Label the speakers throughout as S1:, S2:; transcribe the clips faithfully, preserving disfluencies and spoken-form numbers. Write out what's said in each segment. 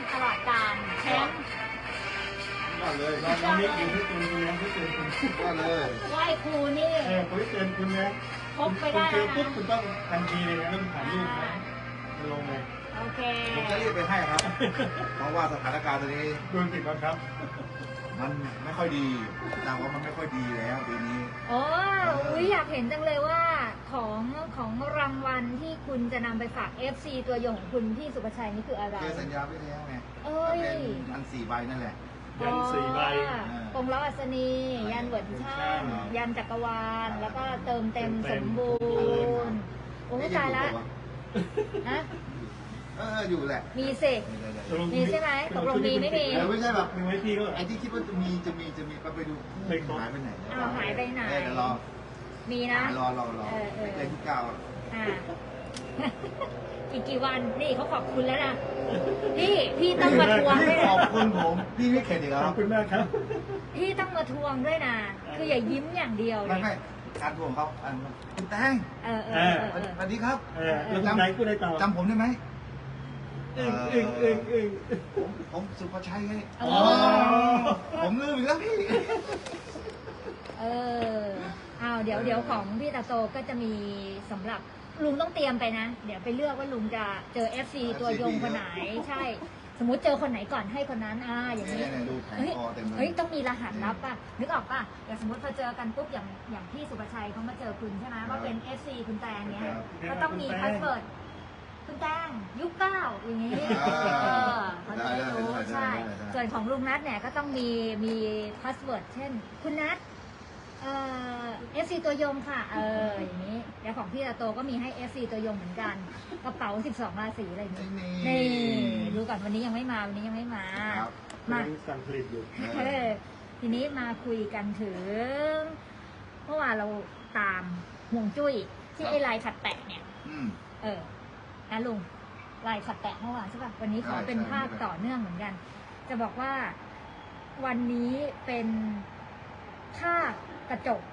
S1: ตลอดกาลแชมป์
S2: ว่าเลยน้องนิกอยู่ที่คุณคุณแม่ที่คุณคุณว่าเลย
S1: ไหว้ครูนี่
S2: เออคุณที่เตือนคุณนะ
S1: พบไปได้
S2: แล้วนะปุ๊บคุณต้องทันทีเลยนะต้องถ่ายรูปนะลงเลย
S1: โอเค
S3: ผมจะรีบไปให้ครับเพราะว่าสถานการณ์ตอนนี้
S2: โดนติดบังคับ
S3: มันไม่ค่อยดีแต่ว่ามันไม่ค่อยดีแล้วปีนี้
S1: โอ้ยอยากเห็นจังเลยว่าของของรางวัลที่คุณจะนำไปฝาก เอฟ ซี ตัวยงของคุณพี่สุภชัยนี่คืออะไร
S3: เจอสัญญาไว้แล้วไง
S1: เอ้ย
S3: เป็นอันสี่ใบนั่นแหละ
S2: ยันสี่ใบ
S1: กงล้ออัศนียันเหวินช่างยันจักรวาลแล้วก็เติมเต็มสมบูรณ์โอ้ตายละฮะ
S3: เอออยู่แหละ
S1: มีสิมีใช่ไหมตกลงมีไม่มี
S3: ไม่ใช่แบบ
S2: มีไว้ที่ก็
S3: ไอ้ที่คิดว่าจะมีจะมีจะมีไปดูหายไปไหน
S1: อ้าวหายไปไหน
S3: เดี๋ยวรอ
S1: มีนะ
S3: รอรอรอเลขที่เก้า
S1: อ่าอีกกี่วันนี่เขาขอบคุณแล้วนะพี่พี่ต้องมาทวงด้วย
S3: ขอบคุณผมพี่ไม่เข็ดอีกแล้ว
S2: ขอบคุณมากครับ
S1: พี่ต้องมาทวงด้วยนะคืออย่ายิ้มอย่างเดียว
S3: ไม่ไม่การทวงเขาคุณแตง
S1: เออเออ
S3: สวัสดีครับ
S2: จำไหนกูได้ต่อ
S3: จำผมได้ไหม
S2: เองเองเองเอง
S3: ผมผมสุภชัยไงผมลืมอีกแล้วพี่
S1: เออเอาเดี๋ยวเดี๋ยวของพี่ตาโตก็จะมีสำหรับลุงต้องเตรียมไปนะเดี๋ยวไปเลือกว่าลุงจะเจอ เอฟ ซี ตัวยงคนไหนใช่สมมุติเจอคนไหนก่อนให้คนนั้นอ่าอย่างนี้เฮ้ยเฮ้ยต้องมีรหัสลับป่ะนึกออกป่ะอย่างสมมติพอเจอกันปุ๊บอย่างอย่างพี่สุภชัยเขามาเจอคุณใช่ไหมว่าเป็น เอฟ ซี คุณแตงเนี้ยก็ต้องมีพาสเวิร์ดคุณแตงยุคเก้าอย่างนี้เออเขาจะได้รู้ใช่ส่วนของลุงนัทเนี่ยก็ต้องมีมีพาสเวิร์ดเช่นคุณนัทเอ่อ เอฟ ซี ตัวยงค่ะเอออย่างนี้แล้วของพี่ตาโตก็มีให้ เอฟ ซี ตัวยงเหมือนกันกระเป๋าสิบสองราศีอะไรอย่างนี้นี่ดูก่อนวันนี้ยังไม่มาวันนี้ยังไม่มา
S2: มาสั่งผลิตอยู่
S1: ทีนี้มาคุยกันถึงเมื่อวานเราตามห่วงจุ้ยที่ไอ้ลายขัดแตะเนี่ยเออนะลุงลายขัดแตะเมื่อวานใช่ป่ะวันนี้ขอเป็นภาพต่อเนื่องเหมือนกันจะบอกว่าวันนี้เป็นภาพกระจก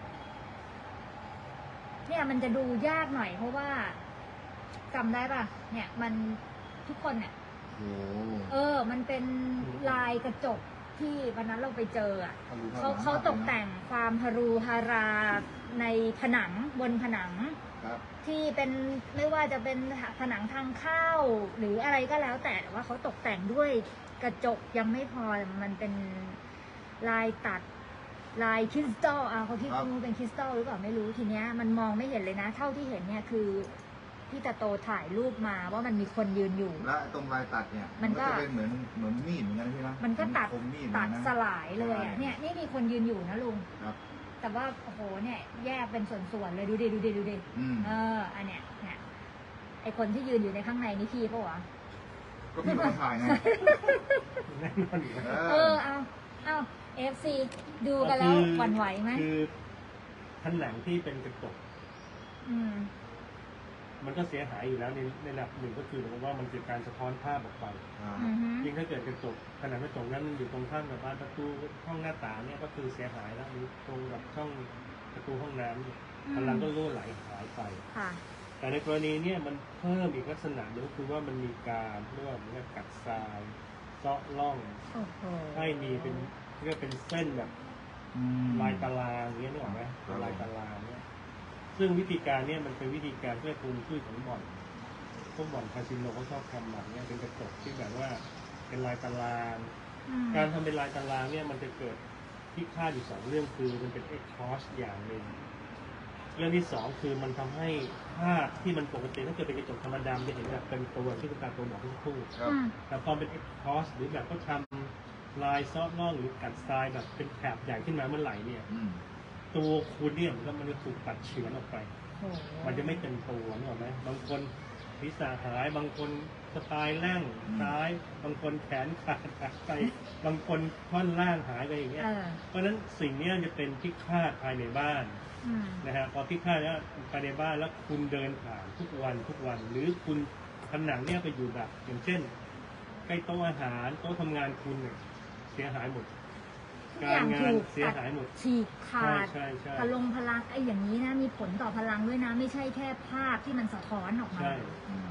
S1: เนี่ยมันจะดูยากหน่อยเพราะว่าจำได้ป่ะเนี่ยมันทุกคนเนี่ยเออมันเป็นลายกระจกที่วันนั้นเราไปเจออ่ะเขาเขาตกแต่งความฮารูฮาราในผนังบนผนังที่เป็นไม่ว่าจะเป็นผนังทางเข้าหรืออะไรก็แล้วแต่ว่าเขาตกแต่งด้วยกระจกยังไม่พอมันเป็นลายตัดลายคริสตัลอ่ะเขาคิดว่าเป็นคริสตัลหรือเปล่าไม่รู้ทีเนี้ยมันมองไม่เห็นเลยนะเท่าที่เห็นเนี่ยคือพี่ตาโตถ่ายรูปมาว่ามันมีคนยืนอยู่
S3: และตรงลายตัดเนี่ยมันก็เป็นเหมือนเหมือนมีดเหมือนกันใช่ไหม
S1: มันก็ตัดตัดสลายเลยอ่ะเนี่ยนี่มีคนยืนอยู่นะลุงแต่ว่าโอ้โหเนี่ยแยกเป็นส่วนๆเลยดูดิดูดิดูดิเอออันเนี้ยเนี่ยไอคนที่ยืนอยู่ในข้างในนี่พี่ปะวะ
S3: ก็พี่มาถ่ายไง
S1: เออเอาเอาเอฟซีดูกันแล้วหวั่นไหวไหม
S2: คือผนังที่เป็นกระจกมันก็เสียหายอยู่แล้วในในระดับหนึ่งก็คือว่ามันเป็นการสะท้อนภาพออกไปยิ่งถ้าเกิดกระจกผนังกระจกนั้นมันอยู่ตรงข้ามกับบ้านประตูห้องหน้าต่างเนี่ยก็คือเสียหายแล้วหรือตรงกับช่องประตูห้องน้ำพลังก็รั่วไหลหายไปแต่ในกรณีเนี่ยมันเพิ่มอีกลักษณะหนึ่งก็คือว่ามันมีการเรียกว่ามันกัดทรายเซาะล่องให้มีเป็นเรียกเป็นเส้นแบบลายตารางเงี้ยนึกออกไหมลายตารางเนี่ยซึ่งวิธีการเนี่ยมันเป็นวิธีการเพื่อคุมชื่อของบ่อนพวกบ่อนคาสิโนเขาชอบทำแบบนี้เป็นกระจกที่แบบว่าเป็นลายตารางการทำเป็นลายตารางเนี่ยมันจะเกิดที่ค่าอยู่สองเรื่องคือมันเป็นเอ็กคอสอย่างหนึ่งเรื่องที่สองคือมันทำให้ภาพที่มันปกติถ้าเกิดเป็นกระจกธรรมดาจะเห็นแบบเป็นตัวที่คุณตาตัวบอกทุกคู่แต่พอเป็นเอ็กคอสหรือแบบก็ทำลายซอฟต์ล่องหรือกัดทรายแบบเป็นแถบใหญ่ขึ้นมาเมื่อไหร่เนี่ยตัวคุณเนี่ยมันก็มันจะถูกตัดเฉือนออกไปมันจะไม่เต็มตัวนึกออกไหมบางคนศีรษะหายบางคนสไตล์แร่งซ้ายบางคนแขนขาดหายไปบางคนท่อนล่างหายไปอย่างเงี้ยเพราะฉะนั้นสิ่งนี้จะเป็นพิฆาตภายในบ้านนะฮะพอพิฆาตแล้วภายในบ้านแล้วคุณเดินผ่านทุกวันทุกวันหรือคุณผนังเนี่ยไปอยู่แบบอย่างเช่นใกล้โต๊ะอาหารโต๊ะทำงานคุณเนี่ยเสียหายหมดการงานเสียหายหมด
S1: ฉีกขาดพลงพลังไอ้อย่างนี้นะมีผลต่อพลังด้วยนะไม่ใช่แค่ภาพที่มันสะท้อนออกมา
S2: ใช่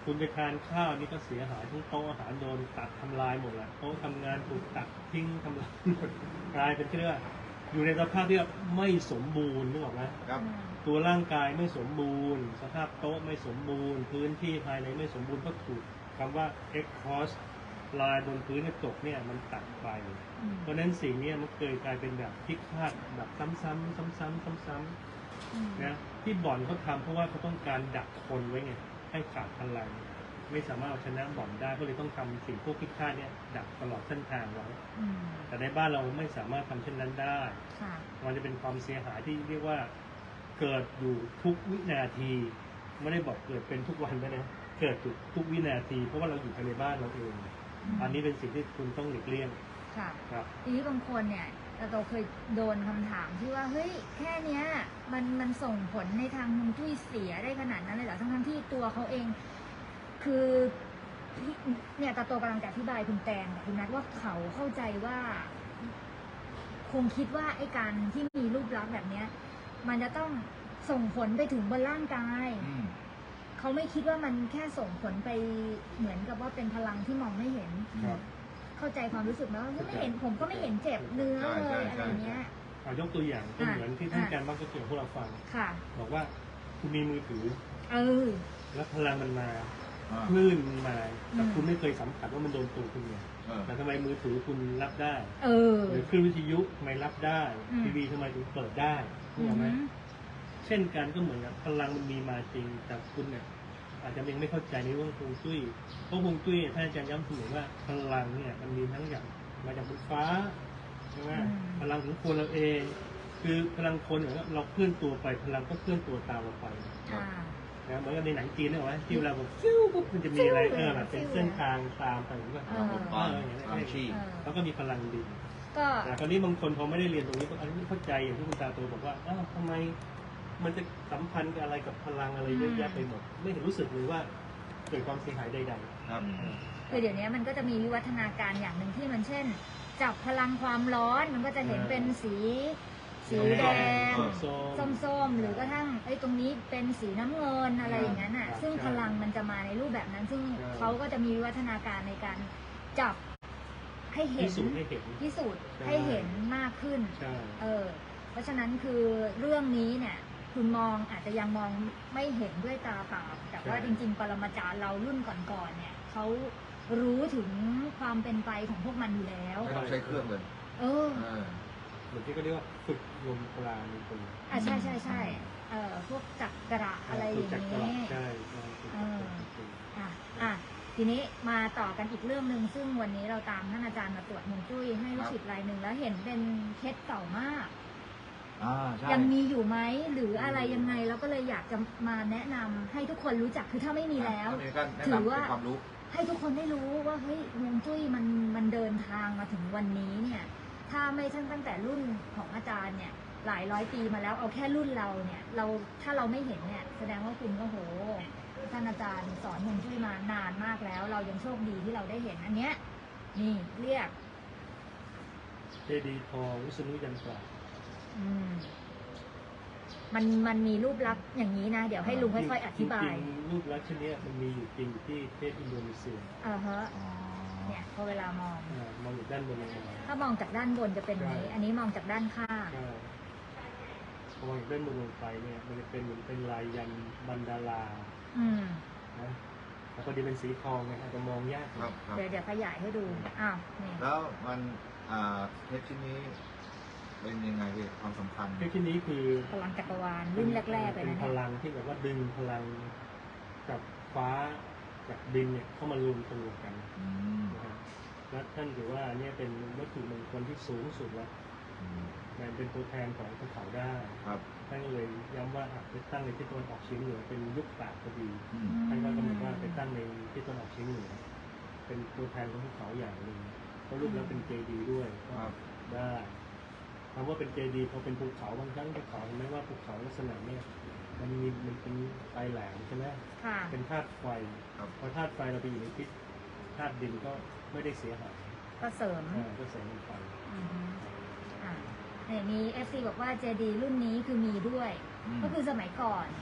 S2: คุณไปทานข้าวนี่ก็เสียหายทั้งโต๊ะอาหารโดนตัดทำลายหมดแหละโต๊ะทำงานถูกตัดทิ้งทำลายหมดกลายเป็นที่เรียกว่าอยู่ในสภาพที่ไม่สมบูรณ์นึกออกไหม
S3: ครับ
S2: ตัวร่างกายไม่สมบูรณ์ สภาพโต๊ะไม่สมบูรณ์ พื้นที่ภายในไม่สมบูรณ์ก็ถูกคำว่า exhaust ลายบนพื้นกระจกเนี่ยมันตัดไป
S1: อืม
S2: เพราะฉะนั้นสิ่งเนี้มันเคยกลายเป็นแบบพิฆาตแบบซ้ำๆซ้ำๆซ้ำๆ
S1: อืม
S2: นะที่บ่อนเขาทำเพราะว่าเขาต้องการดักคนไว้ไงให้ขาดพลังไม่สามารถเอาชนะบ่อนได้ก็เลยต้องทำสิ่งพวกพิฆาตเนี่ยดักตลอดเส้นทางไว้
S1: อืม
S2: แต่ในบ้านเราไม่สามารถทำเช่นนั้นได้
S1: ค่ะ
S2: มันจะเป็นความเสียหายที่เรียกว่าเกิดอยู่ทุกวินาทีไม่ได้บอกเกิดเป็นทุกวันนะนะเกิดอยู่ทุกวินาที เพราะว่าเราอยู่ภายในบ้านเราเอง
S1: อืม
S2: อันนี้เป็นสิ่งที่คุณต้องหลีกเลี่ยง
S1: ค่ะ
S2: ครับ
S1: ทีนี้บางคนเนี่ยเราเคยโดนคำถามที่ว่าเฮ้ยแค่เนี้ยมันมันส่งผลในทางฮวงจุ้ยเสียได้ขนาดนั้นเลยเหรอทั้งทั้งๆที่ตัวเขาเอง คือที่เนี่ยตาโตกำลังจะอธิบายคุณแตงกับคุณนัทว่าเขาเข้าใจว่า คงคิดว่าไอ้การที่มีรูปลักษณ์แบบเนี้ย มันจะต้องส่งผลไปถึงบนร่างกาย
S3: อืม
S1: เขาไม่คิดว่ามันแค่ส่งผลไปเหมือนกับว่าเป็นพลังที่มองไม่เห็น
S2: ครับ
S1: เข้าใจความรู้สึกไหมว่าไม่เห็นผมก็ไม่เห็นเจ็บเนื้อเลยอะไรอย่างเงี้ย
S2: เอายกตัวอย่างก็
S1: อ่ะ
S2: เหมือนที่ท่าน
S1: อ่ะ
S2: อาจารย์มักจะเกี่ยวพวกเราฟัง
S1: ค่ะ
S2: บอกว่าคุณมีมือถือ
S1: เออ
S2: แล้วพลังมันมา
S3: อ่า
S2: คลื่นมันมาแต่
S1: อืม
S2: คุณไม่เคยสัมผัสว่ามันโดนตัวคุณไง
S3: เออ
S2: แต่ทำไมมือถือคุณรับได้
S1: เออ
S2: หรือคลื่นวิทยุทำไมรับได้
S1: อืม
S2: ทีวีทำไมถึงเปิดได้
S1: อื
S2: รู้ไหม
S1: ม
S2: เช่นกันก็เหมือนกับพลังมันมีมาจริงแต่คุณเนี่ยอาจจะยังไม่เข้าใจในเรื่องฮวงจุ้ยเพราะฮวงจุ้ยท่านอาจารย์ย้ำเสมอว่าพลังเนี่ยมันมีทั้งอย่างมาจากบนฟ้าใช่ไหม
S1: อืม
S2: พลังของคนเราเอง คือพลังคนเนี่ยเราเคลื่อนตัวไปพลังก็เคลื่อนตัวตามเราไป
S1: อ่า
S2: นะเหมือนกับในหนังจีนเนี่ยว่าที่เวลาแบบฟิวปุ๊บมันจะมีอะไรเออแบบเป็นเส้นทางตามไปเหมือนกับ
S1: เออ
S2: เอออย่างเงี้ย
S3: พลังชี
S1: เออ
S2: แล้วก็มีพลังดี
S1: ก็
S2: แต่คราวนี้บางคนพอไม่ได้เรียนตรงนี้ก็อันนี้ไม่เข้าใจอย่างที่คุณตาโตบอกว่าอ้าวทำไมมันจะสัมพันธ์กับอะไรกับพลังอะไรเยอะแยะไปหมด ไม่เห็นรู้สึกเลยว่าเกิดความเสียหายใด
S3: ครับ
S1: คือเดี๋ยวนี้มันก็จะมีวิวัฒนาการอย่างหนึ่งที่มันเช่น จับพลังความร้อนมันก็จะเห็นเป็นสี
S2: ๆ
S1: สีแดง
S2: ส้มๆ
S1: ส้มๆ หรือกระทั่งไอ้ยตรงนี้เป็นสีน้ำเงินอะไรอย่างนั้นอ่ะ
S2: ครับ
S1: ซึ่งพลังมันจะมาในรูปแบบนั้น ซึ่ง
S2: ใช่
S1: เขาก็จะมีวิวัฒนาการในการจับให้เห็
S2: พิ
S1: น
S2: สูจน์ให้เห็น
S1: พิสูจน์
S2: ใช่
S1: ให้เห็นมากขึ้น
S2: ใช่
S1: เออ เพราะฉะนั้นคือเรื่องนี้เนี่ย คุณมองอาจจะยังมองไม่เห็นด้วยตาเปล่าแต่ว่า
S2: ใช่
S1: จริง ๆ ปรมาจารย์เรารุ่นก่อนๆเนี่ยเขารู้ถึงความเป็นไปของพวกมันอยู่แล้ว
S3: ไม่ต้องใช้เครื่องเลย
S1: เออ
S3: เออ
S2: เหมือนที่เขาเรียกว่าฝึกลมปราณในตัว
S1: อ่ะใช่ใช่ใช่เอ่อพวกจักระอะไรอย่าง
S2: ฝึกจากตลา
S1: นี้
S2: ดใช่ใช่ฝึกจากตลาดจริง
S1: อ่ะอ่ะทีนี้มาต่อกันอีกเรื่องหนึ่งซึ่งวันนี้เราตามท่านอาจารย์มาตรวจฮวงจุ้ยให้ลูกศิษย์รายหนึ่งแล้วเห็นเป็นเคสเก่ามาก
S3: อ่า ใช่
S1: ยังมีอยู่ไหมหรืออะไรยังไงเราก็เลยอยากจะมาแนะนำให้ทุกคนรู้จักคือถ้าไม่มีแล้ว
S3: ก็มีการแนะ
S1: ถื
S3: นำ
S1: อ
S3: เป็
S1: ว่า
S3: นความรู้
S1: ให้ทุกคนได้รู้ว่าเฮ้ยฮวงจุ้ยมันมันเดินทางมาถึงวันนี้เนี่ย ถ้าไม่ใช่ตั้งแต่รุ่นของอาจารย์เนี่ย หลายร้อยปีมาแล้วเอาแค่รุ่นเราเนี่ย เราถ้าเราไม่เห็นเนี่ย แสดงว่าคุณก็โหท่านอาจารย์สอนฮวงจุ้ยมานานมากแล้ว เรายังโชคดีที่เราได้เห็นอันเนี้ยนี่เรียก
S2: เจดีย์ทองวิษณุยันตรา
S1: อืมมันมันมีรูปลักษณ์อย่างนี้นะ เดี๋ยวให้ลุงค่อยๆอธิบาย
S2: จริงๆรูปลักษณ์เช่นเนี้ยมันมีอยู่จริงที่ประเทศอินโดนีเซีย
S1: อ่าฮะ
S3: อ๋อ
S1: เนี่ยพอเวลามอง
S2: อ่ามองอยู่ด้านบนเลยนะ
S1: ถ้ามองจากด้านบนจะเป็นอย่างนี้
S2: ใช่
S1: อันนี้มองจากด้านข้าง
S2: ใช่พอมองจากด้านบนลงไปเนี่ยมันจะเป็นเหมือนเป็นลายยันต์มันดารา
S1: อืม
S2: นะแต่พอดีเป็นสีทองไงอาจจะมองยากห
S3: ค
S2: น่
S3: รั
S2: อบ ย
S3: ครับ
S1: เดี๋ยวเดี๋ยวขยายให้ดู อ้าว นี่
S3: แล้วมันอ่าเทปชิ้นนี้เป็นยังไงพี่ความสำคัญ
S2: เทคนิคนี้คือ
S1: พลังจักรวาลรุ่นแรกๆเลย
S2: เป็น
S1: นะ
S2: พ
S1: เนี่ย
S2: ลังที่แบบว่าดึงพลังกับฟ้ากับดินเนี่ยเข้ามารวมตัวกัน
S3: อืม
S2: นะครับและท่านถือว่าเนี่ยเป็นวัตถุมงคลที่สูงสุดแล้ว
S3: อืม
S2: มันเป็นตัวแทนของภูเขาได้
S3: ครับ
S2: ท่านก็เลยย้ำว่าอ่ะไปตั้งในทิศตะวันออกเฉียงเหนือเป็นยุคปราบพอดี
S3: อืม
S2: ท่านก็กำหนดว่าไปตั้งในทิศตะวันออกเฉียงเหนือเป็นตัวแทนของภูเขาอย่างหนึ่งเพราะรูปแล้วเป็นเจดีย์ด้วยก็
S3: ครับ
S2: ได้คำว่าเป็นเจดีย์พอเป็นภูเขาบางครั้งภูเขาเห็นไหมว่าภูเขาลักษณะเนี่ยมันมีมันเป็นปลายแหลมใช่ไหม
S1: ค่ะ
S2: เป็นธาตุไฟ
S3: ครับ
S2: พอธาตุไฟเราไปอยู่ในทิศธาตุดินก็ไม่ได้เสียหาย
S1: ก็เสริม
S2: อ่าก็เสริมมันไป
S1: อือฮึอ่าเนี่ยมีเอฟซีบอกว่าเจดีรุ่นนี้คือมีด้วย
S3: อืม
S1: ก็คือสมัยก่อน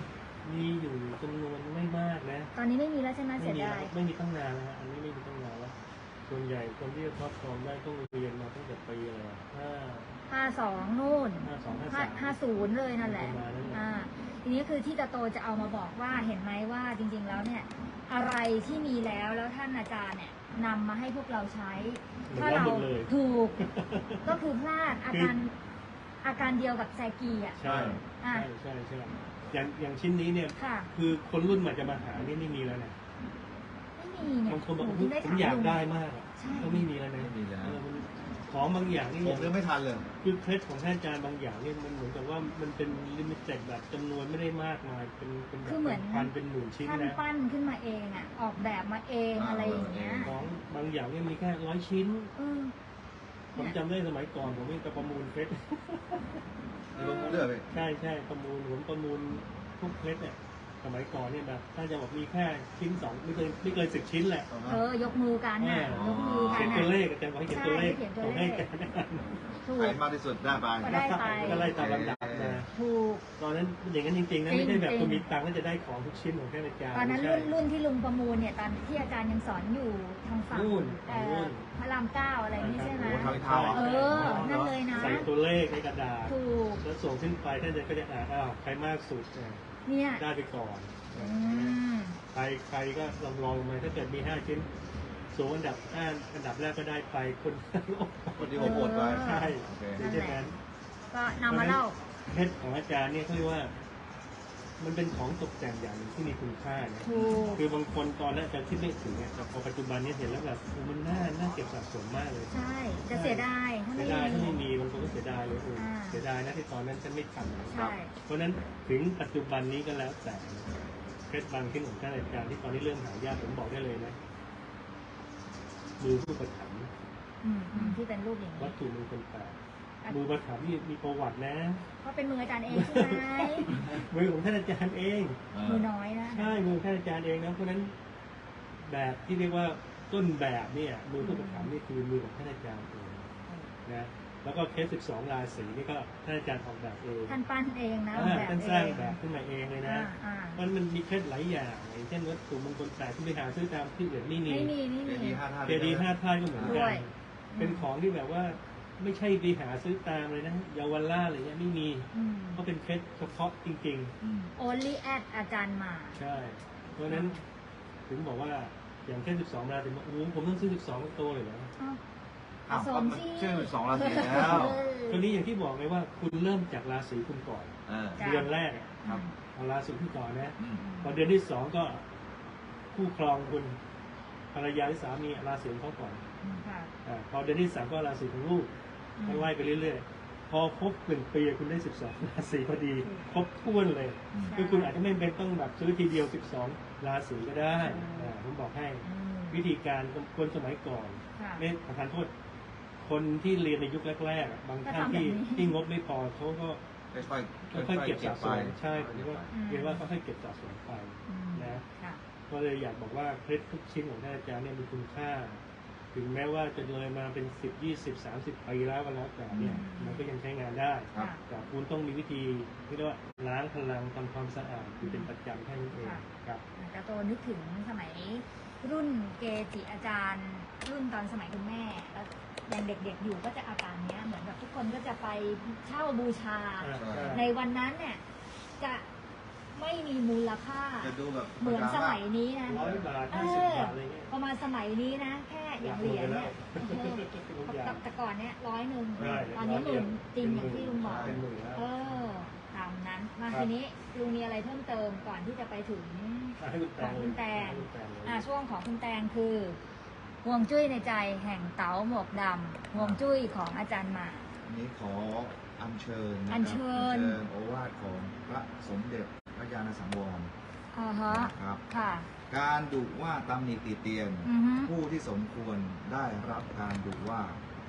S2: มีอยู่จำนวนไม่มากนะ
S1: ตอนนี้ไม่มีแล้วใช่ไหม
S2: ไม่
S1: เสีย
S2: มี
S1: ดาย
S2: แล้วไม่มีตั้งนานแล้วฮะอันนี้ไม่มีตั้งนานแล้วส่วนใหญ่คนที่จะครอบครองได้ต้องเรียนมาตั้งแต่ปีอะไรอะห้า
S1: ห้าสองนู่น
S2: ห้าสองห้า
S1: ห้า
S2: สาม
S1: ห้าศูนย์เลยนั่นแหละ
S2: ประมาณนั้นแหละ
S1: อ่าทีนี้คือที่ตาโตจะเอามาบอกว่าเห็นไหมว่าจริงๆแล้วเนี่ย อะไรที่มีแล้วแล้วท่านอาจารย์เนี่ยนำมาให้พวกเราใช้ ถ้าเรา
S2: หมดเลย
S1: ถูก ก็คือพลาดอาการอาการเดียวกับแซกีอ่ะ
S2: ใช่
S1: อ่ะ
S2: ใช่ใช่ใช่อย่างอย่างชิ้นนี้เนี่ย
S1: ค่ะ
S2: คือคนรุ่นใหม่จะมาหานี่ไม่มีแล้วนะ
S1: ไม่มีเนี่ย
S2: บางคนบอก
S1: ห
S2: ว่า
S1: ถึงได้
S2: ผม
S1: ถาม
S2: อยาก
S1: ลุง
S2: ได้มากอะ
S1: ใช่
S2: ก็ไม่มีแล้วนะ
S3: ไม่มีแล้ว
S2: เออมันของบางอย่างนี่
S3: ผมยังไม่ทันเลย
S2: คือเคล็ดของท่านอาจารย์บางอย่างเนี่ยมันเหมือนกับว่ามันเป็นลิมิเต็ดแบบจำนวนไม่ได้มากมายเป็นเป็นแบบ
S1: คือเหมือน
S2: พันเป็นหมื่นชิ้น
S1: ท่าน
S2: นะ
S1: ปั้นขึ้นมาเองอ่ะ ออกแบบมาเอง
S3: อ่า
S1: อะไรอย่างเงี้ย
S2: ของบางอย่างเนี่ยมีแค่ร้อยชิ้น
S1: เออ
S2: ผมจำได้สมัยก่อนผมเองก็ประมูลเพชร
S3: มีประมูลด้วยเหรอพี่
S2: ใช่ใช่ประมูลผมประมูลทุกเพชรเนี่ยสมัยก่อนเนี่ยแบบถ้าจะบอกมีแค่ชิ้นสองไม่เกินไม่เกินสิบชิ้นแหละ
S1: เออยกมือกันน่ะ
S2: อ๋อ
S1: ยกมือกั
S2: เขีย
S1: น
S2: น
S1: น่ะ
S2: ตัวเลขอาจารย์บอกให้เขียนตัวเลข
S1: ใช่เขียนตัว
S2: ผม
S1: เล
S2: ให้
S1: ข
S2: อาจารย์
S1: ถู
S3: ใคร
S1: ก
S3: มากที่สุดได้ไป
S1: ก็ได้ไป
S2: ก็ไล่ตามลำดับมา
S1: ถูก
S2: ตอนนั้นอย่างนั้นจริงๆนะไม่
S1: จริ
S2: ได้
S1: ง
S2: แบบ
S1: จริง
S2: คุณมีตังค์ก็จะได้ของทุกชิ้นของแค่อาจารย์
S1: ตอนนั้น
S2: ไม่
S1: รุ่น
S2: ใช่
S1: รุ่นที่ลุงประมูลเนี่ยตอนที่อาจารย์ยังสอนอยู่ทางฝั่ง
S2: นู่น
S1: เอ่อ
S2: นู่น
S1: พระรามเก้าอะไรนี่ใช่ไหม
S3: โอ้ทางเท้าอ่ะ
S1: เออ นั่นเลยนะ
S2: ใส่ตัวเลขในกระดาษ
S1: ถูก
S2: แล้วส่งขึ้นไปท่านอาจารย์ก็จะอ่านอ้าวใครมากสุดเนี่ย
S1: เนี่ย
S2: ได้ไปก่อน
S1: อืม
S2: ใครใครก็ลองลองมาถ้าเกิดมีห้าชิ้นสูงอันดับห้าอันดับแรกก็ได้ไปคน
S3: คนที่ผมโหวตไป
S2: ใช่
S3: โอเค
S2: เพราะฉะนั้น
S1: ก็นำมาเล่า
S2: เพชรของอาจารย์เนี่ยเขาเรียกว่า มันเป็นของตกแต่งอย่างหนึ่งที่มีคุณค่านะ
S1: ถูก
S2: คือบางคนตอนแรกจะคิดไม่ถึงเนี่ยแต่พอปัจจุบันเนี่ยเห็นแล้วแบบโอ้มันน่าน่าเก็บสะสมมากเลย
S1: ใช่ จะเสียดายถ้า
S2: เสี
S1: ไม่
S2: ยดายถ้า
S1: มี
S2: ไม่มีบางคนก็เสียดายเลยเออ
S1: อ่า
S2: เสียดายนะที่ตอนนั้นฉันไม่ทำ
S1: ใช่
S2: เพราะฉะนั้นถึงปัจจุบันนี้ก็แล้วแต่เพชรบางชิ้นของท่านอาจารย์ที่ตอนนี้เริ่มหายากผมบอกได้เลยนะมือผู้ประถัมภ์
S1: อืมอืมที่เป็นรูปอย่างนี้
S2: วัตถุมงคลแปดมือประถัมภ์นี่มีประวัตินะ
S1: เพราะเป็นมืออาจารย์เองใช่ไหม
S2: มือของท่านอาจารย์เอง
S1: มือน้อยนะ
S2: ใช่มือท่านอาจารย์เองนะเพราะฉะนั้นแบบที่เรียกว่าต้นแบบเนี่ยมือผู้ประถัมภ์นี่คือมือของท่านอาจารย์เองนะแล้วก็เคสสิบสองราศีนี่ก็ท่านอาจารย์ออกแบบเอง
S1: ท่านปั้นเองนะออก
S2: อ่า
S1: แบบ
S2: ท่าน
S1: เอ
S2: สร้าง
S1: ง
S2: แบบขึ้นมาเองเลยนะ
S1: อ่าอ่า
S2: มันมันมีเคล็ดหลายอย่างอย่างเช่นวัตถุมงคลแปดที่ไปหาซื้อตามที่อื่นไม่มี
S1: ไม่มีไม่
S3: เจ
S1: มี
S3: ดีย์ห้าท่าน
S2: เจดีย์ห้าท่านก็เหมือน
S1: ด้
S2: กั
S1: วน ย
S2: เป็นของที่แบบว่าไม่ใช่ไปหาซื้อตามเลยนะเยาวราชอะไรเงี้ยไม่มี
S1: อืม
S2: เพราะเป็นเคล็ดเฉพาะจริง
S3: อืม
S1: only at อาจารย์มา
S2: ๆ ใช่ เพราะฉะนั้นถึงบอกว่าอย่างแค่สิบสองราศีบอกโอ้โหผมต้องซื้อสิบสองตัวเลยเหรอ
S1: อ้าว
S3: อ้าว
S1: ผส
S3: ก็
S1: ม
S3: มัน
S1: สิ
S3: ชื่อสองราศีแล้ว
S1: เออ
S2: ตอนนี้อย่างที่บอกไงว่าคุณเริ่มจากราศีคุณก่อน
S3: เออ
S1: จ้ะ
S2: เดือนแรกอะ
S3: ครับ
S2: เอาราศีคุณก่อนนะ
S3: อืม
S2: พอเดือนที่สองก็คู่ครองคุณภรรยาหรือสามีราศีของเขาก่อน
S1: ค่ะ
S2: อาพอเดือนที่สามก็ราศีของลูก
S1: อืม
S2: ไล่ไปเรื่อยๆ พอครบหนึ่งปีคุณได้สิบสองราศีพอดี ครบถ้วนเลย
S3: อืม
S2: คือคุณอาจจะไม่เป็นต้องแบบซื้อทีเดียวสิบสองราศีก็ได้
S1: อืม
S2: อ่าผมบอกให้
S1: อืม
S2: วิธีการคนสมัยก่อน
S1: ค่ะ
S2: ไม่ขอทานโทษ คนที่เรียนในยุคแรกๆอะบางท่านที่
S1: ก็ทำแบบนี้
S2: ที่งบไม่พอเขาก็
S3: ค่อยๆ
S2: ค่อยๆเก็บ
S3: เก็
S2: สะ
S3: บ
S2: ส
S3: ไป
S2: มใช่ผมเรียกว่า
S1: อืม
S2: เรียกว่าค่อยๆเก็บสะสมไป
S1: อืม
S2: นะ
S1: ค่ะ
S2: ก็เลยอยากบอกว่าเคล็ดทุกชิ้นของท่านอาจารย์เนี่ยมีคุณค่า ถึงแม้ว่าจะเลยมาเป็นสิบยี่สิบสามสิบปีแล้วก็แล้วแต่เนี่ย
S1: อืม
S2: มันก็ยังใช้งานได้
S3: ครับ
S2: แต่คุณต้องมีวิธีที่เรียกว่าล้างพลังทำความสะอาดอยู่เป็นประจำแค่นั้นเองครับ
S1: แต่โตนึกถึงสมัยรุ่นเกจิอาจารย์ รุ่นตอนสมัยคุณแม่แล้วยังเด็กๆอยู่ก็จะอาการเนี้ยเหมือนแบบทุกคนก็จะไปเช่าบูชา ในวันนั้นเนี่ยจะไม่มีมูลค่า
S3: จะดูแบบ
S1: เหมือนสมัยนี้นะ
S2: ร้อยบาท
S1: เอ
S2: ห้าสิบ
S1: อบ
S2: าทอะไรเงี้ย
S1: ประมาณสมัยนี้นะ แค่อย่างเหรียญเนี่ยเออ
S2: ทุกอย่าง
S1: แต่ก่อนเนี่ยร้อยหนึ่ง
S2: ใช่
S1: ตอนนี้หมื่นจริงอย่างที่ลุงบอก
S2: เป็นหมื่นแล้ว
S1: เออตามนั้นมา
S2: ครับ
S1: ทีนี้ลุงมีอะไรเพิ่มเติมก่อนที่จะไปถึง
S2: อ่ะให้คุณแต
S1: ของ
S2: ง
S1: คุณแตง
S2: ให้คุณแตงเลย
S1: อ่าช่วงของคุณแตงคือห่วงจุ้ยในใจแห่งเต๋าหมวกดำห่วงจุ้ยของอาจารย์หมา
S3: อันนี้ขออัญเชิญนะครับ
S1: อัญเชิญ
S3: อัญเชิญโอวาทของพระสมเด็จพระญาณสังวร
S1: อ่าฮะ
S3: นะครับ
S1: ค่ะ
S3: การดุว่าตำหนิติเตียน
S1: อือฮึ
S3: ผู้ที่สมควรได้รับการดุว่า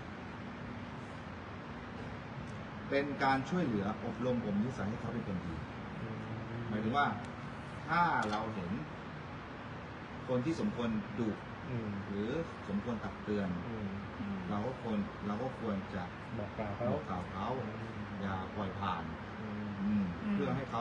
S3: เป็นการช่วยเหลืออบรมบ่มนิสัยให้เขาเป็นคนดี หมายถึงว่าถ้าเราเห็น คนที่สมควรดุ
S2: อืม
S3: หรือสมควรตักเตือน
S2: อืม
S1: อืม
S3: เราก็ควรเราก็ควรจะ
S2: บอกกล่าว
S3: บ
S2: เขา
S3: อกกล่าวเขาอย่าปล่อยผ่าน
S2: อืม
S3: อืม
S1: อืม
S3: เพื่อให้เขา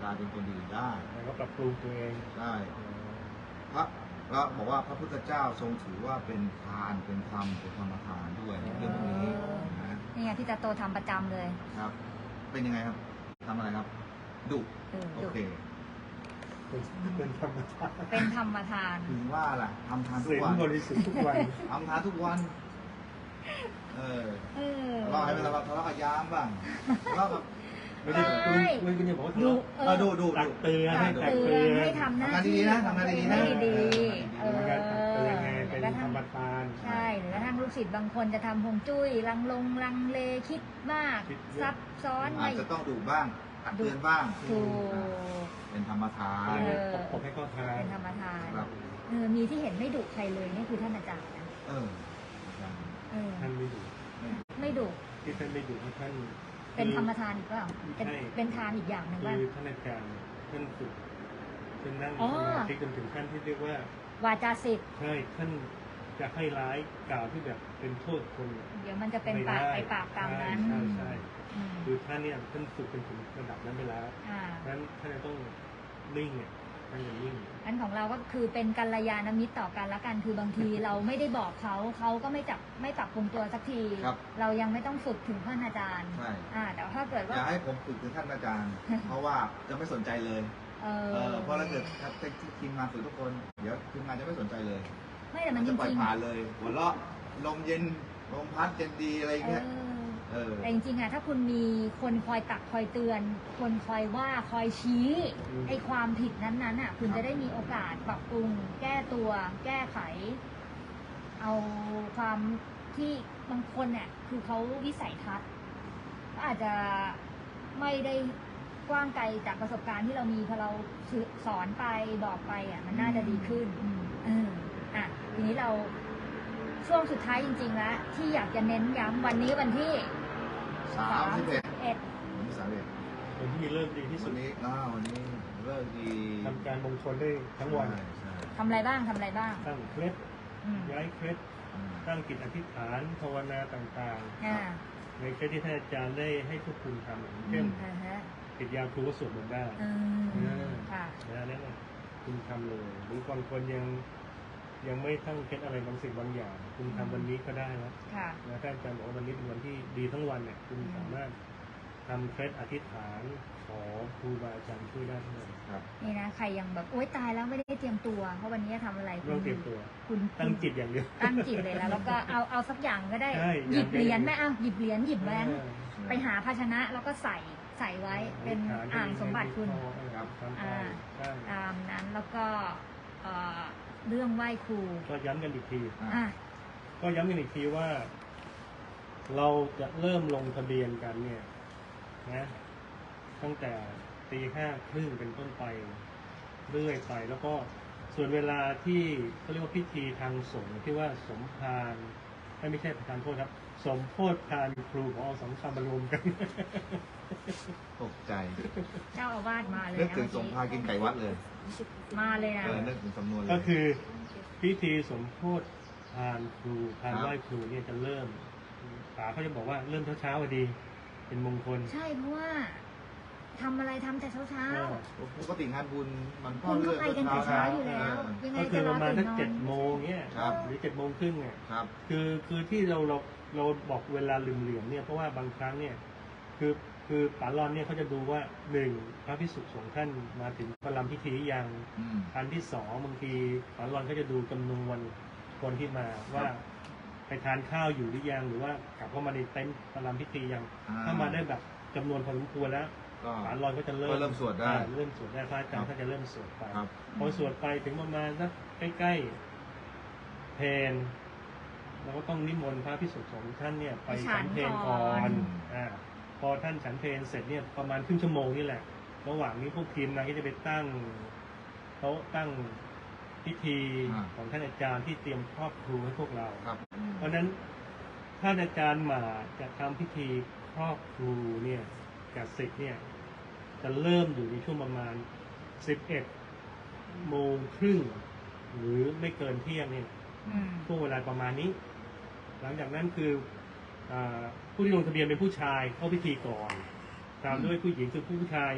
S3: กลายเป็นคนดีได้
S2: แล้วก็ปรับปรุงตัวเอง
S3: ได้พระเราบอกว่าพระพุทธเจ้าทรงถือว่าเป็นทานเป็นธรรมเป็นธรรมทานด้วยเรื่องพวกนี้นะ
S1: นี่ไงพี่ตาโตทำประจำเลย
S3: ครับ เป็นยังไงครับทำอะไรครับดุ
S1: เออ
S3: โอ
S1: ดุ
S3: เค
S2: เป็นธรรมชาติ
S1: เป็นธรรมทาน
S3: ถึงว่าล่ะทำทานทุ
S2: ศี
S3: ก
S2: ล
S3: วัน
S2: บริสุทธิ์ทุกวัน
S3: ทำทานทุกวัน เออ
S1: เออ
S3: ทะเลาะให้เป็นทะเลาะทะเลาะกับยามบ้างทะเลาะกับ
S2: ไม่ได้คุณไม่คุณจะบอกว่า
S1: ดุ
S2: ทะเลาะ
S1: เอ
S3: เออ
S1: อ
S3: ดูดู
S2: ตักเตือนให้
S1: ตั
S2: ตั
S1: ก
S2: ก
S1: เตื
S2: เตื
S1: อน
S2: อน
S1: ให้ทำหน้าที่
S3: ทำงานดีๆนะทำงานดีๆนะ
S1: ให้ดีๆเอ
S2: เอ
S1: อ
S2: อตักเตือนไงเป็นธรรมทาน
S1: ใช่หรือกระทั่งลูกศิษย์บางคนจะทำฮวงจุ้ยลังลงลังเลคิดมาก
S2: คิดเยอะ
S1: ซับซ้อน
S3: อาจจะต้องดุบ้างตักเตือนบ้าง
S1: ถูก
S3: เป็นธรรมทาน
S1: เออ
S2: ผมให้เข้าทาน
S1: เป็นธรรมทาน
S3: ครับ
S1: เออมีที่เห็นไม่ดุใครเลยนี่คือท่านอาจารย์นะ
S3: เอออาจารย์
S1: เออ
S2: ท่านไม่ดุ
S1: ไม่ดุ
S2: ที่ท่านไม่ดุเพราะท่าน
S1: เป็นธรรมทานอีกเปล่าเป็น
S2: ใช่
S1: เป็นทานอีกอย่างหนึ่ง
S2: คื
S1: ว่า
S2: อท่านอาจารย์ท่านฝึกท่านนั่ง
S1: อ๋อ
S2: สมาธิจนถึงขั้นที่เรียกว่า
S1: วาจาสิทธิ์
S2: ใช่ท่านจะให้ร้ายกล่าวที่แบบเป็นโทษคน
S1: เดี๋ยวมันจะเป็นปากไปปากตามนั้น
S2: ใช่ใช่
S1: อืม
S2: คือท่านเนี่ยท่านฝึกเป็นถึงระดับนั้นไปแล้ว
S1: อ่า
S2: เพราะฉะนั้นท่านจะต้องนิ่งเนี่ยท่านจะนิ่ง
S1: อันของเราก็คือเป็นกัลยาณมิตรต่อกันละกัน คือบางทีเราไม่ได้บอกเขา เขาก็ไม่จับไม่ปรับปรุงตัวสักที
S3: ครับ
S1: เรายังไม่ต้องฝึกถึงท่านอาจารย์
S3: ใช่
S1: อ่า แต่ถ้าเกิด
S3: อ
S1: ว่า
S3: ย่าให้ผมฝึกถึงท่านอาจารย์ เพราะว่าจะไม่สนใจเลย
S1: เอ
S3: เอ
S1: อ
S3: อเพราะถ้าเกิดถ้าทีมงานฝึกทุกคน เดี๋ยวทีมงานจะไม่สนใจเลย
S1: ไม่แต่มันจ
S3: จะปล่อย
S1: ริง
S3: ผ่านเลย หัวเราะลมเย็นลมพัดเย็นดีอะไร
S1: ๆเอ
S3: เงี้ย
S1: อ
S3: เออ
S1: แต่จริงๆอะถ้าคุณมีคนคอยตักคอยเตือน คนคอยว่าคอยชี้
S2: อืม
S1: ไอ้ความผิดนั้นๆอะคุณ
S3: ครับ
S1: จะได้มีโอกาสปรับปรุง แก้ตัว แก้ไข เอาความที่บางคนเนี่ยคือเขาวิสัยทัศน์ก็อาจจะไม่ได้กว้างไกลจากประสบการณ์ที่เรามีพอเราสอนไปบอกไปอ่ะมันน่าจะดีขึ้นเอออ่ะทีนี้เราช่วงสุดท้ายจริงๆแล้วที่อยากจะเน้นย้ำวันนี้วันที่
S3: สามสิบเอ็ด
S1: เอ็ด
S3: วันที่สามสิบเอ็ด
S2: คนที่เริ่มดีที่สุ
S3: วั
S2: ด
S3: นนี้อ้าววันนี้เลิกดี
S2: ทำการมงคลได้ทั้งวัน
S3: ใช่ใช่
S1: ทำอะไรบ้างทำอะไรบ้าง
S2: ตั้งเคล็ด
S1: อืม
S2: ย้ายเคล็ด
S3: อืม
S2: ตั้งจิตอธิษฐานภาวนาต่าง
S1: อ่า
S2: ๆ ในเคล็ดที่ท่านอาจารย์ได้ให้ทุกคุณทำอย่างเช่น
S1: อ่าฮะ
S2: ติดยาครูก็สวดมนต์ได้
S1: อืมค่ะ
S2: นะนั่นแหละคุณทำเลยหรือบางคนยังยังไม่ตั้งเคล็ดอะไรบางสิ่งบางอย่าง คุณทำวันนี้ก็ได้นะ
S1: ค่ะ
S2: นะท่านอาจารย์บอกว่าวันนี้เป็นวันที่ดีทั้งวันเนี่ยคุณสามารถทำเคล็ดอธิษฐานขอครูบาอาจารย์ช่วยได้ทั้งนั้น
S3: ครับ
S1: นี่นะใครยังแบบโอ๊ยตายแล้วไม่ได้เตรียมตัว เพราะวันนี้จะทำอะไร
S2: ไม่ต้องเตรียมตัว
S1: คุณ
S2: ตั้งจิตอย่างเดียว
S1: ตั้งจิตเลยแล้ว แล้วก็เอาเอาสักอย่างก็ได้
S2: ใช่
S1: หยิบ
S2: อย่าง
S1: เหรียญ
S2: อย่าง
S1: ไหมเอาหยิบเหรียญหยิบแหวน
S2: เออ
S1: ไปหาภาชนะแล้วก็ใส่ใส่ไว้เป็นอ่างสมบัติคุณ
S2: ครับทำไป
S1: อ่า
S2: ใช่
S1: ตามนั้นแล้วก็เอ่อเรื่องไหว้ครู
S2: ก็ย้ำกันอีกที
S3: อ่ะ
S1: อ่ะ
S2: ก็ย้ำกันอีกทีว่า เราจะเริ่มลงทะเบียนกันเนี่ยนะตั้งแต่ตีห้าครึ่งเป็นต้นไปเรื่อยไป แล้วก็ส่วนเวลาที่เขาเรียกว่าพิธีทางสงฆ์ที่ว่าสมภารไม่ไม่ใช่ประธานโทษครับ สมโพธิพานครูของเอาสองคำมารวมกัน
S3: ตกใจ
S1: เจ้าอาวาสมาเลย
S3: นึก
S1: นะ
S3: ถึงสงพากินไก่วัดเลย
S1: มาเลยนะ
S3: เออนึกถึงสำนวนเลย
S2: ก็คือพิธีสมโพธิพานครูพาน
S3: ครับ
S2: ไหว้ครูเนี่ยจะเริ่มป๋าเขาจะบอกว่าเริ่มเช้าๆพอดี เป็นมงคล
S1: ใช่เพราะว่าทำอะไรทำแต่เช้าเช้า
S2: เออ
S3: ปกติงานบุญมันก็
S1: คุณก็
S3: เลือก
S1: ไปกันแต่เช้าอยู่แล้ว
S3: เออ
S1: ยังไง
S2: ก็คื
S1: จะ
S2: อ
S1: ร
S2: ป
S1: อ
S2: ระมาณ
S1: ตื่
S2: สั
S1: น
S2: ก
S1: นอ
S2: เจ็
S1: น
S2: ดโมงเนี่ย
S3: ครับ
S2: หรือเจ็ดโมงครึ่งเนี่ย
S3: ครับ
S2: คือคือที่เราเราเราบอกเวลาเหลื่อมๆเนี่ยเพราะว่าบางครั้งเนี่ยคือคือป๋าลอนเนี่ยเขาจะดูว่าหนึ่งพระภิกษุสงฆ์ท่านมาถึงประลัมพิธีหรือยัง
S3: อืม
S2: อันที่สองบางทีป๋าลอนก็จะดูจำนวนคนที่มาว่าไปทานข้าวอยู่หรือยังหรือว่ากลับเข้ามาในเต็นท์ประลัมพิธียัง
S3: อ่า
S2: ถ้ามาได้แบบจำนวนพอสมควรแล้ว
S3: ก็
S2: ป๋าลอนก็จะเริ่ม
S3: ก็เริ่มสวดได้
S2: อ่าเริ่มสวดได้พระอาจารย์
S3: ครับ
S2: ก็จะเริ่มสวดไป
S3: ครับ
S2: พอสวดไปถึงประมาณสักใกล้ๆเพลเราก็ต้องนิมนต์พระภิกษุสงฆ์ท่านเนี่ยไป
S1: ไปฉั
S2: ฉั
S1: น
S2: นเพล
S1: ก่
S2: ก่
S1: อ
S2: อน นอ่าพอท่านฉันเพลเสร็จเนี่ยประมาณครึ่งชั่วโมงนี่แหละ ระหว่างนี้พวกทีมงานก็จะไปตั้งโต๊ะตั้งพิธี
S3: อ่า
S2: ของท่านอาจารย์ที่เตรียมครอบครูให้พวกเรา
S3: ครับ
S2: เพราะฉะนั้นท่านอาจารย์มาจะทำพิธีครอบครูเนี่ยกับศิษย์เนี่ยจะเริ่มอยู่ในช่วงประมาณสิบเอ็ดโมงครึ่งหรือไม่เกินเที่ยงเนี่ย
S1: อืม
S2: ช่วงเวลาประมาณนี้ หลังจากนั้นคืออาผู้ที่ลงทะเบียนเป็นผู้ชายเข้าพิธีก่อน ตามด้วยผู้หญิงคือผู้ชาย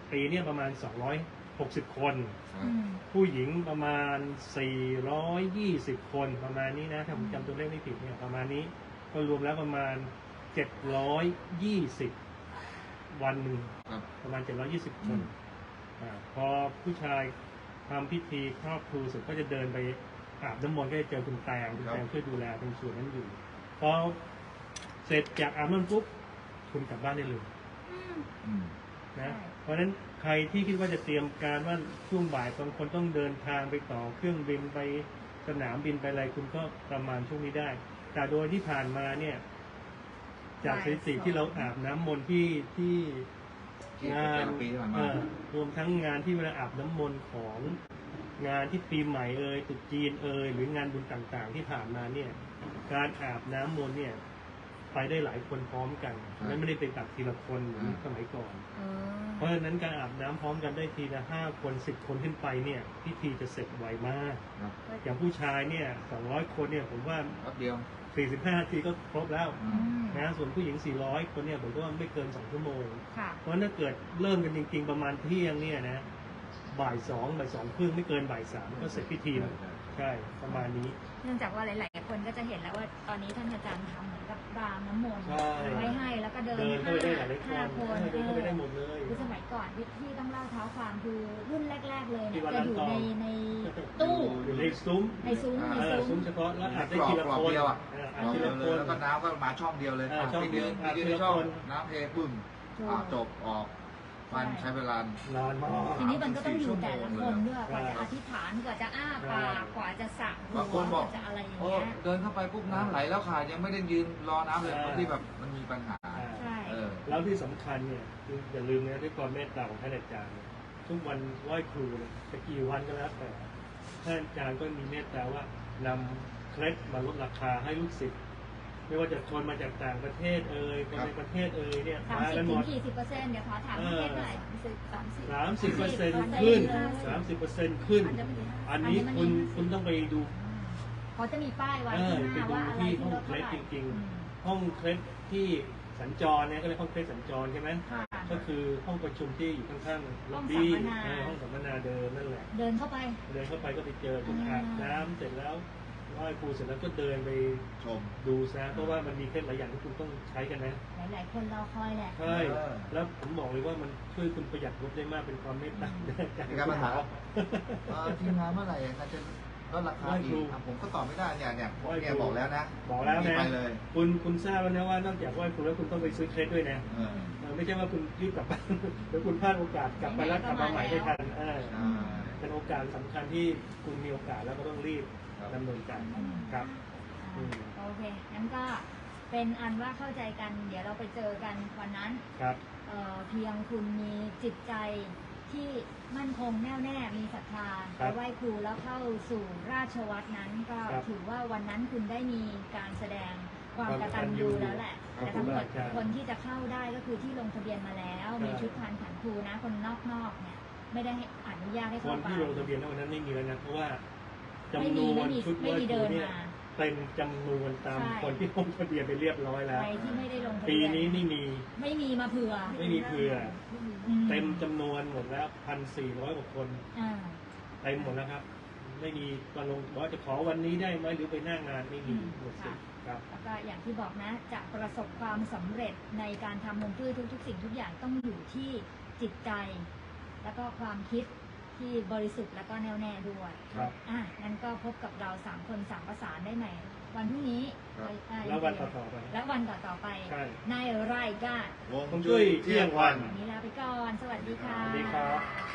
S2: ปีเนี่ยประมาณสองร้อยหกสิบคน
S1: อืม
S2: ผู้หญิงประมาณสี่ร้อยยี่สิบคนประมาณนี้นะถ้าผมจำตัวเลขไม่ผิดเนี่ยประมาณนี้ก็รวมแล้วประมาณเจ็ดร้อยยี่สิบวันหนึ่ง
S3: ครับ
S2: ประมาณเจ็ดร้อยยี่สิบคนอ่าพอผู้ชายทำพิธีครอบครูเสร็จก็จะเดินไปอาบน้ำมนต์ก็จะเจอคุณแตงคุณแตงช่วยดูแลตรงส่วนนั้นอยู่พอเสร็จจากอาบน้ำปุ๊บคุณกลับบ้านได้เลย
S1: อืม
S3: อืม
S2: นะ
S1: ใช่
S2: เพราะฉะนั้นใครที่คิดว่าจะเตรียมการว่าช่วงบ่ายบางคนต้องเดินทางไปต่อเครื่องบินไปสนามบินไปอะไรคุณก็ประมาณช่วงนี้ได้ แต่โดยที่ผ่านมาเนี่ย จากสถิติที่เราอาบน้ำมนต์ที่ที่
S3: ที่
S2: งาน
S3: ปีที่ผ่านมา
S2: เอ่อรวมทั้งงานที่เวลาอาบน้ำมนต์ของงานที่ปีใหม่เอ่ยตรุษจีนเอ่ยหรืองานบุญต่างๆ ที่ผ่านมาเนี่ย การอาบน้ำมนต์เนี่ยไปได้หลายคนพร้อมกันและไม่ได้เป็นตัดทีละคนเหมือนสมัยก่อน
S1: เออ
S2: เพราะฉะนั้นการอาบน้ำพร้อมกันได้ทีละห้าคนสิบคนขึ้นไปเนี่ยพิธีจะเสร็จไวมาก
S3: ครับ
S2: อย่างผู้ชายเนี่ยสองร้อยคนเนี่ยผมว่า
S3: แป๊บเดียว
S2: สี่สิบห้านาทีก็ครบแล้ว
S3: อื
S1: อื
S3: ม
S1: ม
S2: นะส่วนผู้หญิงสี่ร้อยคนเนี่ยผมก็ว่าไม่เกินสองชั่วโมง
S1: ค่ะ
S2: เพราะถ้าเกิดเริ่มกันจริงๆประมาณเที่ยงเนี่ยนะบ่ายสองบ่ายสองครึ่งไม่เกินบ่ายสามก็เสร็จพิธีแล้วใช่ประมาณนี้
S1: เนื่องจากว่าหลาย ๆ คนก็จะเห็นแล้วว่าตอนนี้ท่านอาจารย์ทำเหมือนกับรางน้ำมนต์
S2: ใช่
S1: ไว้ให้แล้วก็เดิน
S2: เดินเข้าไปได้หลายๆคน
S1: ห้าคน
S2: เดินเข้าไปได้หมดเลย
S1: คือสมัยก่อนที่ต้องเล่าเท้าความคือรุ่นแรก ๆ เลย
S2: ที่
S1: เนี่ย
S2: วัด
S1: จะอยู่
S2: ลำต
S1: ใน
S2: อง
S1: ในตู้
S2: อยู่ในซุ้ม
S1: ในซุ้มใน
S2: เออ
S1: ซุ้
S2: ซุ้
S1: ม
S2: มเฉพาะแล้วอาจได้
S3: กรอบ
S2: ทีละ
S3: กรอบ
S2: คน
S3: เดียวอ่ะ
S2: เออก อาจ
S3: รอบ
S2: ที
S3: เดีย
S2: ละ
S3: ว
S2: ค
S3: เลย
S2: น
S3: แล้วก็น้ำก็มาช่องเดียวเลย
S2: อ่าช่อง
S3: ที่เดือน
S2: อ่า
S3: ที่
S2: ที
S3: เดือน
S2: ละ
S3: ช่อง
S2: คน
S3: น้ำเทปึ้มอ่าจบออกมันใช้เวลาน
S2: านมาก
S1: ทีนี้มันก็ต้องอยู่แต่ละคนด้วยก
S2: ใช่
S1: ว่าจะอธิษฐานกว่าจะอ้าปากกว่าจะสักหั
S3: บาง
S1: ว
S3: คนบอก
S1: กว่าจะอะไรอย่าง
S3: โอ้
S1: เงี้ย
S3: เดินเข้าไปปุ๊บน้ำไหลแล้วค่ะยังไม่ได้ยืนรอน้ำเลยบางที่แบบมันมีปัญหา
S2: อ่า
S1: ใช่
S3: เออ
S2: แล้วที่สำคัญเนี่ยคืออย่าลืมนะด้วยความเมตตาของท่านอาจารย์เนี่ยทุกวันไหว้ครูเนี่ยจะกี่วันก็แล้วแต่ท่านอาจารย์ก็มีเมตตาว่านำเคล็ดมาลดราคาให้ลูกศิษย์ไม่ว่าจะชนมาจากต่างประเทศเอ่ยคนในประเทศเอ่ยเนี่ย
S1: สาม
S2: มา
S1: สิบ
S2: กันห
S1: ถึ
S2: ม
S1: ง
S2: ด
S1: กี่สิบเปอร์เซ็นต์เดี๋ยวขอถาม
S2: เอ
S1: พี่
S2: อ
S1: เพชรหน่อย
S4: สามสิบ
S2: สามสิบเปอร์เซ็นต์
S1: สามสิบ
S2: ขึ้น
S1: เลย
S2: สามสิบเปอร์เซ็นต์ขึ้น
S4: อัญมณี
S2: อันนี้คุณคุณต้องไปดู
S1: เขาจะมีป้ายไว้
S2: เออ
S1: ข้างห
S2: ไป
S1: น้า
S2: ดู
S1: ว่าอะไร
S2: ที่
S1: ที่
S2: ห้อง
S1: ลด
S2: เค
S1: เท่า
S2: ล็ด
S1: ไหร่
S2: จริง
S1: อืม
S2: ๆ ห้องเคล็ดที่สัญจรเนี่ยก็เรียกห้องเคล็ดสัญจรใช่ไหม
S1: ค่ะ
S2: ก็คือห้องประชุมที่อยู่ข้างๆ
S1: ห้
S2: ล็
S1: อ
S2: อง บบี้
S1: สัมมนา
S2: เออห้องสัมมนาเดิมนั่นแหละ
S1: เดินเข้าไป
S2: เดินเข้าไปก็ไปเจอคุณ
S1: อ่า
S2: อาบน้ำเสร็จแล้วไหว้ครูเสร็จแล้วก็เดินไป
S3: ชม
S2: ดูซะเพราะว่ามันมีเคล็ดหลายอย่างที่คุณต้องใช้กันนะ
S1: หลาย ๆ คนรอคอยแหละ
S2: ใช่
S3: เออ
S2: แล้วผมบอกเลยว่ามันช่วยคุณประหยัดงบได้มากเป็นความเมตตาจาก
S3: มีการมาถาม เอ่อทีมงานเมื่อไหร่อาจารย์จะลดราคาอีกอ่ะผมก็ตอบไม่ได้เนี่ยเนี่ยผมเนี่ยบอกแล้วนะ
S2: บอกแล้ว
S3: มี
S2: นะ
S3: ไปเลย
S2: คุณคุณทราบแล้วนะว่านอกจากไหว้ครูแล้วคุณต้องไปซื้อเคล็ดด้วยนะ
S3: เออ
S2: เออไม่ใช่ว่าคุณรีบกลับบ้าน แล้วคุณพลาดโอกาสกลับไปแล้วกลับมาใหม่ไม่ทันเออ
S3: ใช่
S2: เป็นโอกาสสำคัญที่คุณมีโอกาสแล้วก็ต้องรีบ
S3: ครับ
S2: ดำเนินการครับ อืม
S1: โอเค งั้นก็เป็นอันว่าเข้าใจกัน เดี๋ยวเราไปเจอกันวันนั้น
S2: ครับ
S1: เอ่อเพียงคุณมีจิตใจที่มั่นคงแน่วแน่ มีศรัทธา
S2: ครั
S1: ไป
S2: บ
S1: ไหว้ครูแล้วเข้าสู่ราชวัตรนั้นก็
S2: ครับ
S1: ถือว่าวันนั้นคุณได้มีการแสดงความ
S2: ความ
S1: กตัญญูแล้วแหละ
S2: ครับ
S1: แต่ทั้งหมด
S2: ครับ
S1: คนที่จะเข้าได้ก็คือที่ลงทะเบียนมาแล้ว
S2: ครับ
S1: มีชุดพานขันครูนะ คนนอกๆเนี่ยไม่ได้ให้อนุญาตให้
S2: ค
S1: เข้าน ไป
S2: ที่ลงทะเบียนในวันนั้นไม่มีแล้วนะเพราะว่า
S1: ไม่
S2: จำน
S1: มี
S2: ว
S1: ไม่
S2: น
S1: มี
S2: ชุดไห
S1: ไม่
S2: ว้
S1: มี
S2: ครู
S1: เดิน
S2: เนี่ย
S1: มา
S2: เต็มจำนวนตาม
S1: ใช่
S2: คนที่ลงทะเบียนไปเรียบร้อยแล้ว
S1: ใครที่ไม่ได้ลงทะ
S2: ปี
S1: เบียน
S2: นี้ไม่มี
S1: ไม่มีมาเผื่อ
S2: ไม่มีเผื่อ
S1: อื
S2: เต็มจำนวนหมดแล้วพันสี่ร้อยกว่าคน
S1: อ่า
S2: เต็มหมดแล้วครับ ไม่มีมาลงบอกว่าจะขอวันนี้ได้ไหมหรือไปหน้างานไม่มีหมดสิทธิ์ครับ
S1: แล้วก็อย่างที่บอกนะ จะประสบความสำเร็จในการทำฮวงจุ้ยทุกๆ สิ่งทุกอย่างต้องอยู่ที่จิตใจ แล้วก็ความคิดที่บริสุทธิ์แล้วก็แน่วแน่ด้วย
S2: ครับ
S1: อ่ะงั้นก็พบกับเราสามคนสามประสานได้ใหม่ วันพรุ่งนี้
S3: ครับ
S1: อ่า
S2: แล้ววันต่อๆไป
S1: และวันต่อๆไป
S2: ใช่
S1: ในรายการ
S3: วง
S2: ฮวงจุ้ยเที่ยงวัน
S1: วันนี้ลาไปก่อน สวัสดีค่ะ
S2: สวัสดีครับ